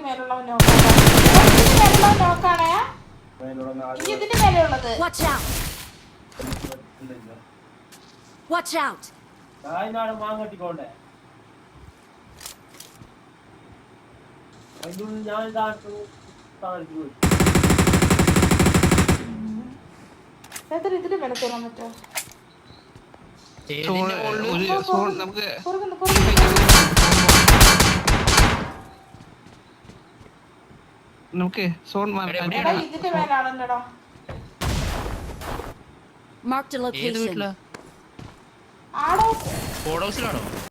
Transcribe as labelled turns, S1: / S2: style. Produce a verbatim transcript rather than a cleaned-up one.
S1: മേലുള്ളവൻ നോക്കാണ്. ഇതിന്റെ മേലുള്ളവൻ നോക്കാണേ. ഇനി ഇതിന്റെ മേലുള്ളത്.
S2: Watch out! Watch out!
S3: നായിനാണ് മാങ്ങട്ടിക്കോണ്ടേ. അതിനുള്ളിൽ ഞാൻ ഇതാട്ടു താഴ്ത്തി പോയി.
S1: എത്ര ഇതിന്റെ മേലെ കയറാൻ പറ്റുമോ?
S4: നമുക്ക് നമുക്ക് സോൺ
S1: ഇതിന്റെ മേലാണല്ലോടാ.
S2: Marked a location.
S1: ആടോ
S5: ഹൗസിലാണോ?